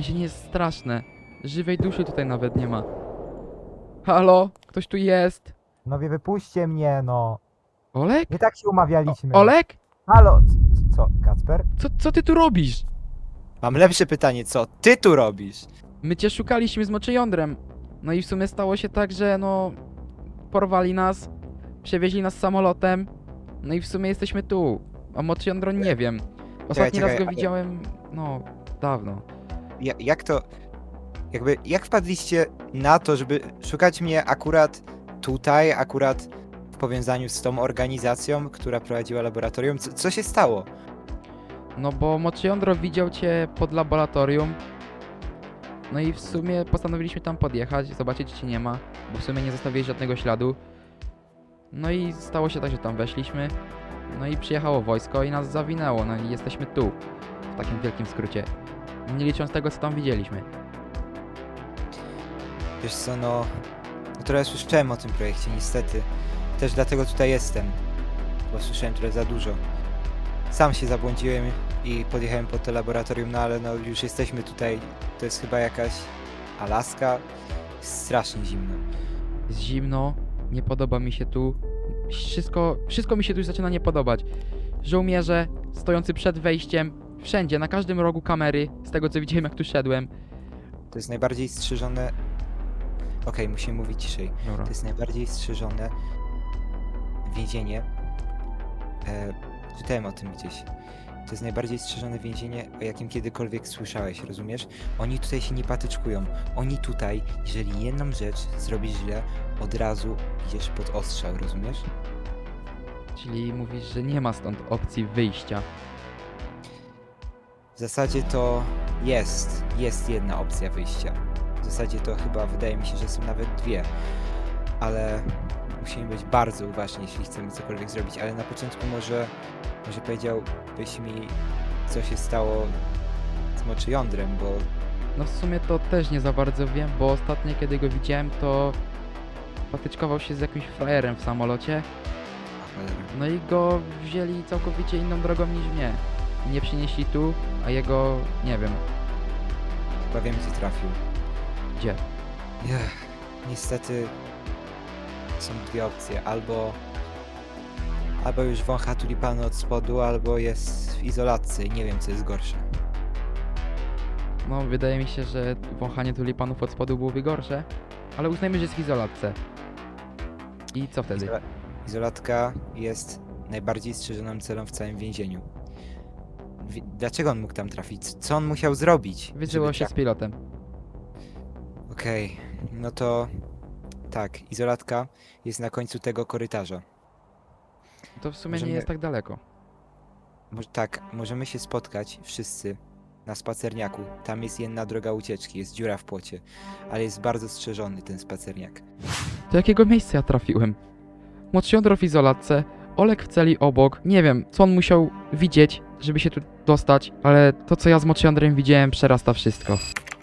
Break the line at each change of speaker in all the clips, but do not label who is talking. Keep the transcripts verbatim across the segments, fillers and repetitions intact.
Więzienie jest straszne. Żywej duszy tutaj nawet nie ma. Halo? Ktoś tu jest?
Panowie, wypuśćcie mnie, no.
Olek?
Nie tak się
O,
umawialiśmy.
Olek?
Halo, c- co, Kacper?
Co, co ty tu robisz?
Mam lepsze pytanie, co ty tu robisz?
My cię szukaliśmy z moczyjądrem. No i w sumie stało się tak, że no... Porwali nas, przewieźli nas samolotem. No i w sumie jesteśmy tu. A moczyjądro nie wiem. Ostatni
czekaj,
raz go
ale-
widziałem, no, dawno.
Ja, jak to... Jakby, jak wpadliście na to, żeby szukać mnie akurat tutaj, akurat w powiązaniu z tą organizacją, która prowadziła laboratorium? Co, co się stało?
No bo moczyjądro widział cię pod laboratorium. No i w sumie postanowiliśmy tam podjechać, zobaczyć czy cię nie ma, bo w sumie nie zostawiłeś żadnego śladu. No i stało się tak, że tam weszliśmy. No i przyjechało wojsko i nas zawinęło, no i jesteśmy tu. W takim wielkim skrócie. Nie licząc tego, co tam widzieliśmy.
Wiesz co, no... no trochę słyszałem o tym projekcie, niestety. Też dlatego tutaj jestem. Bo słyszałem trochę za dużo. Sam się zabłądziłem i podjechałem pod to laboratorium, no ale no już jesteśmy tutaj. To jest chyba jakaś Alaska. Jest strasznie zimno.
Jest zimno, nie podoba mi się tu. Wszystko, wszystko mi się tu już zaczyna nie podobać. Żołnierze stojący przed wejściem, wszędzie, na każdym rogu kamery, z tego co widziałem jak tu szedłem.
To jest najbardziej strzeżone... Okej, musimy mówić ciszej.
Dobra.
To jest najbardziej strzeżone więzienie. E, czytałem o tym gdzieś. To jest najbardziej strzeżone więzienie, o jakim kiedykolwiek słyszałeś, rozumiesz? Oni tutaj się nie patyczkują. Oni tutaj, jeżeli jedną rzecz zrobisz źle, od razu idziesz pod ostrzał, rozumiesz?
Czyli mówisz, że nie ma stąd opcji wyjścia.
W zasadzie to jest, jest jedna opcja wyjścia. W zasadzie to chyba wydaje mi się, że są nawet dwie. Ale musimy być bardzo uważni, jeśli chcemy cokolwiek zrobić. Ale na początku może, może powiedziałbyś mi, co się stało z moczyjądrem, bo
No w sumie to też nie za bardzo wiem, bo ostatnio kiedy go widziałem to patyczkował się z jakimś frajerem w samolocie.
cholera.
No i go wzięli całkowicie inną drogą niż mnie. Nie przynieśli tu, a jego nie wiem
Chyba wiem, gdzie trafił.
gdzie.
Ech, niestety są dwie opcje. Albo albo już wącha tulipany od spodu, albo jest w izolatce i nie wiem, co jest gorsze.
No wydaje mi się, że wąchanie tulipanów od spodu byłoby gorsze, ale uznajmy, że jest w izolatce. I co wtedy?
Izola- Izolatka jest najbardziej strzeżoną celą w całym więzieniu. Wi- Dlaczego on mógł tam trafić? Co on musiał zrobić?
Wysyłał
żeby
się z pilotem.
Okej, no to tak, izolatka jest na końcu tego korytarza.
To w sumie
Możemy-
nie jest tak daleko.
Może, tak, możemy się spotkać wszyscy na spacerniaku. Tam jest jedna droga ucieczki, jest dziura w płocie, ale jest bardzo strzeżony ten spacerniak.
Do jakiego miejsca ja trafiłem? Moczyjądro w izolatce, Olek w celi obok. Nie wiem, co on musiał widzieć, żeby się tu dostać, ale to, co ja z Moczyjądrem widziałem, przerasta wszystko.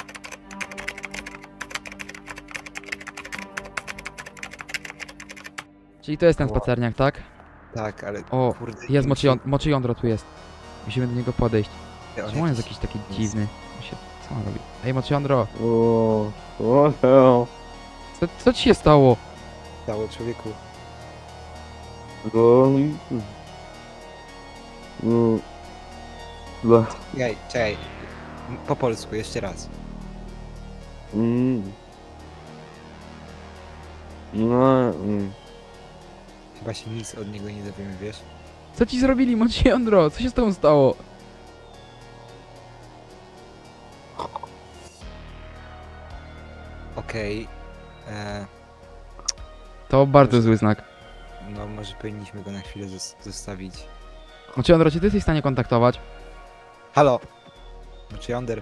Czyli to jest ten
Ło.
spacerniak, tak?
Tak, ale
O,
kurde...
jest
im
moczyją- Moczyjądro tu jest. Musimy do niego podejść.
się- on
Czemu on jest
jakiś-
jakiś taki dziwny? On się, co on robi? Ej, Moczyjądro,
O, what the hell?
co, co ci się stało?
Stało człowieku.
No, no, no,
Czekaj, czekaj. M- Po polsku, jeszcze raz.
mm, no, mm.
Chyba się nic od niego nie dowiemy, wiesz?
Co ci zrobili, Moczyjądro? Co się z tobą stało?
Okej. e,
To bardzo zły znak.
No może powinniśmy go na chwilę zos- zostawić.
Moczyjądro, czy ty jesteś w stanie kontaktować?
Halo! Znaczy Yonder.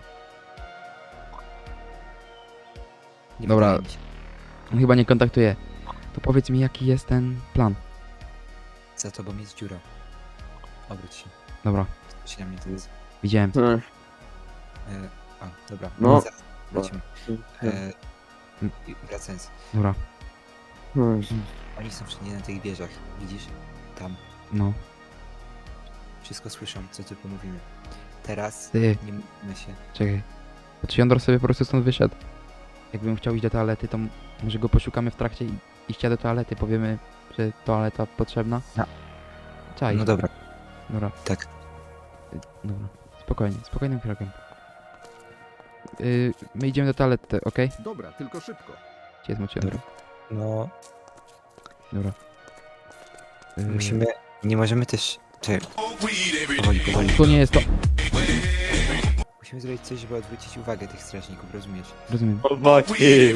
Nie
Dobra.
wydaje mi się.
On chyba nie kontaktuje. To powiedz mi, jaki jest ten plan.
Za tobą jest dziura. Obróć się.
Dobra,
Spójrz na mnie teraz.
widziałem.
Ech,
E, a, dobra.
No.
Zaraz Wrócimy. E, i wracając.
Dobra,
ech.
Oni są wszędzie na tych wieżach. Widzisz? Tam.
no.
Wszystko słyszą, co tylko mówimy. Teraz
Ty,
nie mówmy się.
czekaj. Znaczy Jądro sobie po prostu stąd wyszedł. Jakbym chciał iść do toalety, to m- może go poszukamy w trakcie i- iścia do toalety, powiemy, że toaleta potrzebna.
No.
Czaj.
No dobra,
Dobra.
tak.
Y, Dobra. Spokojnie, spokojnym krokiem. Yy, my idziemy do toalety, okej?
Dobra, tylko szybko.
Gdzie jest moczy Jądro?
No,
Dobra. Yy,
musimy... Nie możemy też... Czekaj. Powoli, powoli.
Tu nie jest to.
Musimy zrobić coś, żeby odwrócić uwagę tych strażników, rozumiesz?
Rozumiem.
Chłopaki!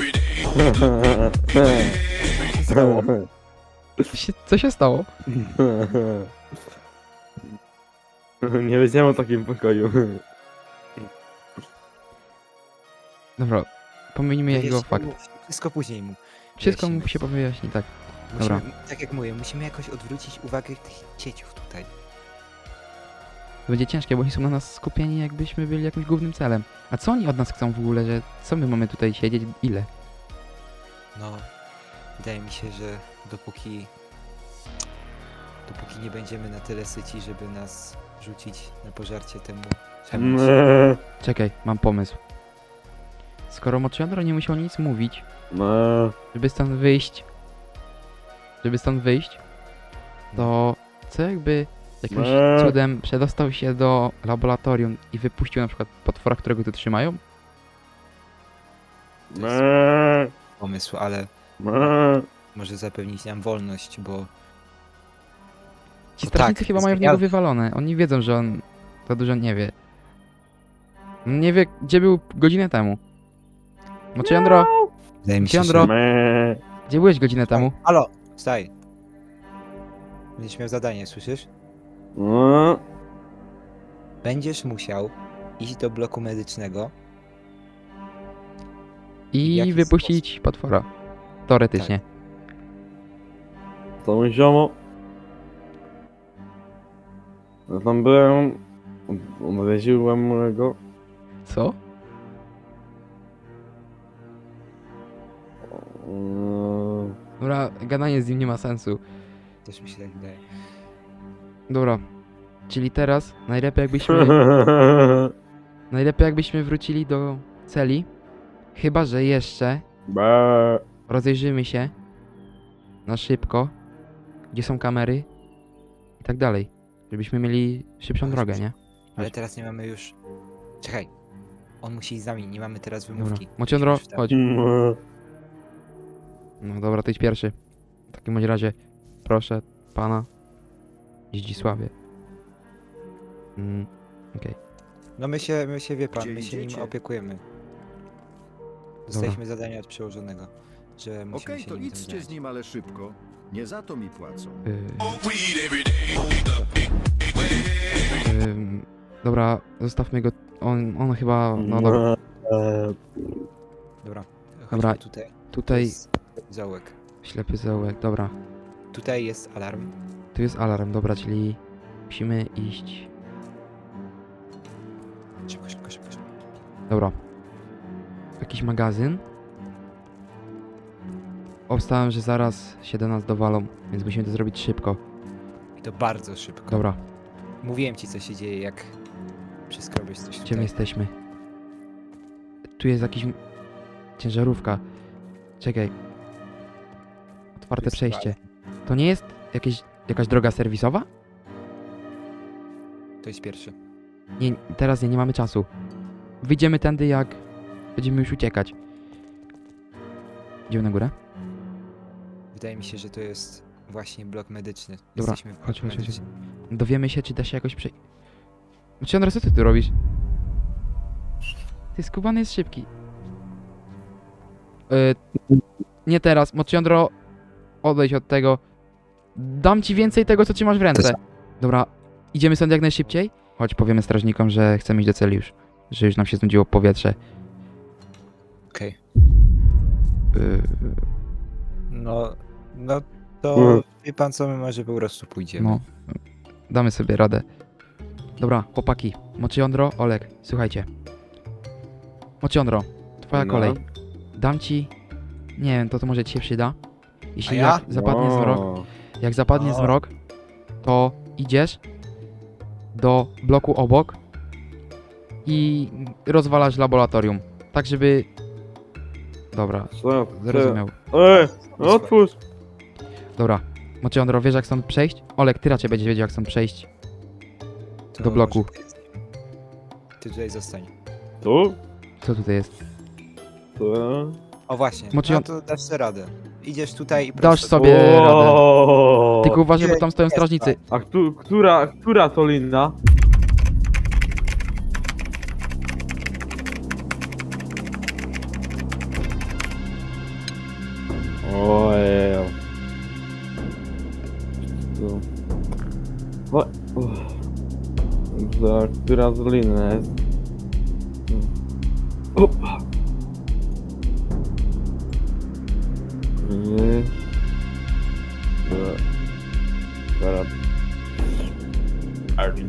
Co się, co się stało?
Nie wiedziałem o takim pokoju.
Dobra. Pomijmy jego
Wyjaśnij
fakt.
mu- Wszystko później mu.
Wszystko mu
wyjaśnimy.
się wyjaśni, tak.
Musimy,
Dobra.
tak jak mówię, musimy jakoś odwrócić uwagę tych cieciów tutaj.
To będzie ciężkie, bo oni są na nas skupieni, jakbyśmy byli jakimś głównym celem. A co oni od nas chcą w ogóle, że co my mamy tutaj siedzieć? Ile?
No, wydaje mi się, że dopóki... Dopóki nie będziemy na tyle syci, żeby nas rzucić na pożarcie temu czemuś.
Czekaj, mam pomysł. Skoro Mochiandro nie musiał nic mówić,
No.
żeby stąd wyjść, żeby stąd wyjść, to co jakby jakimś
Eee.
cudem przedostał się do laboratorium i wypuścił na przykład potwora, którego tu trzymają?
To jest pomysł, ale może zapewnić nam wolność, bo
Ci
No
strażnicy
tak,
chyba mają w
zmieniał-
niego wywalone. Oni wiedzą, że on za dużo nie wie. On nie wie, gdzie był godzinę temu. Mochiandro,
wydaje mi się,
Jądro.
że...
gdzie byłeś godzinę temu?
Halo, staj. Będziesz miał zadanie, słyszysz?
No.
Będziesz musiał iść do bloku medycznego. w
I
jaki
wypuścić potwora. Teoretycznie.
To mój ziomo. Ja tam byłem. Odwiedziłem go.
Co?
Eee,
Dobra, gadanie z nim nie ma sensu.
Też mi się tak wydaje.
Dobra. Czyli teraz najlepiej jakbyśmy, najlepiej jakbyśmy wrócili do celi. Chyba, że jeszcze
Be.
rozejrzymy się na szybko, gdzie są kamery i tak dalej. Żebyśmy mieli szybszą
Ale
drogę,
szybciej.
nie?
Ale
Chodź.
teraz nie mamy już... Czekaj. On musi iść z nami, nie mamy teraz
Dobra.
wymówki.
Mochiandro,
Musimy już
chodź.
No.
No dobra, ty idź pierwszy. W takim bądź razie, proszę pana Zdzisławie. Mm, okej.
No my się, my się, wie pan,
Gdzie
my się nim
idziecie?
opiekujemy. Dostaliśmy zadanie od przełożonego, że musimy
Okej,
się
to
nim tym
idźcie
zająć.
z nim, ale szybko. Nie za to mi płacą.
Yy, ym, dobra, zostawmy go. On, on chyba. No dobra.
Eee,
Dobra,
Dobra.
chodźmy tutaj. To
Tutaj
jest zaułek.
ślepy zaułek, dobra.
Tutaj jest alarm.
Tu jest alarm, dobra, czyli musimy iść.
Szybko, szybko, szybko. szybko.
Dobra. Jakiś magazyn. Obstałem, że zaraz się do nas dowalą, więc musimy to zrobić szybko.
I to bardzo szybko.
Dobra,
Mówiłem ci, co się dzieje, jak przeskrobać coś
gdzie my
tutaj.
jesteśmy? Tu jest jakiś... m- ciężarówka. Czekaj. Otwarte
jest
przejście. To nie jest jakieś, jakaś droga serwisowa?
To jest pierwszy.
Nie, teraz nie, nie mamy czasu. Wyjdziemy tędy, jak będziemy już uciekać. Idziemy na górę?
Wydaje mi się, że to jest właśnie blok medyczny.
Dobra,
Jesteśmy w bloku
chodź, chodź, chodź.
medycznym.
Dowiemy się, czy da się jakoś przejść. Znaczy, Andres, co ty tu robisz? Ty skubany jest szybki. Yy, nie teraz, Mochiandro, odejdź od tego. Dam ci więcej tego, co trzymasz w ręce. Dobra, idziemy stąd jak najszybciej? Chodź, powiemy strażnikom, że chcemy iść do celi już. Że już nam się znudziło powietrze.
Okej.
Yy,
No, no to
Mm.
wie pan co, my może po prostu pójdziemy.
no, damy sobie radę. Dobra, chłopaki. Mochiandro, Olek, słuchajcie. Mochiandro, twoja
no.
kolej. Dam ci... Nie wiem, to to może ci się przyda. Jeśli
A ja?
jak zapadnie zmrok,
no.
jak zapadnie
O.
zmrok, to idziesz do bloku obok i rozwalać laboratorium. Tak, żeby... Dobra,
Co?
zrozumiał.
Ej, otwórz!
Dobra, Moczyondro, wiesz jak stąd przejść? Olek, ty raczej będziesz wiedział jak stąd przejść.
To
Do bloku.
może- Ty tutaj zostań.
Tu?
Co tutaj jest?
Tu?
O właśnie,
Moczy-
no to dasz sobie radę. Idziesz tutaj i
Dasz
prosto.
sobie radę.
O!
Tylko uważaj, bo tam stoją
Jest,
strażnicy.
A któ, która, która to linna? Ojej. Tu. O, uff. Za, która z linna jest? Up. Nie. Dobra. Teraz. Arvin.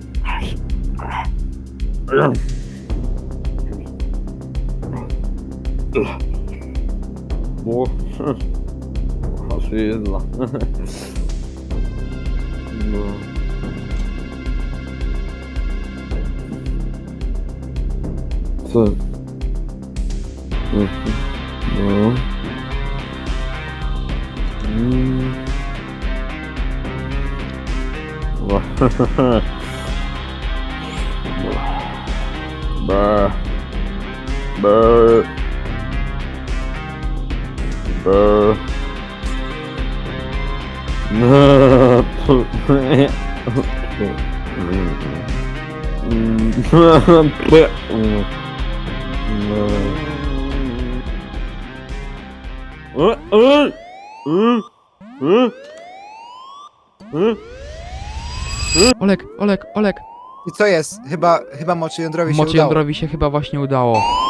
Bo... Haszyzna. No. Co? No. Mm. Brr. Brr. Brr. No.
Olek, Olek, Olek!
I co jest? Chyba, chyba Moczy Jądrowi się udało.
Moczyondrowi się chyba właśnie udało.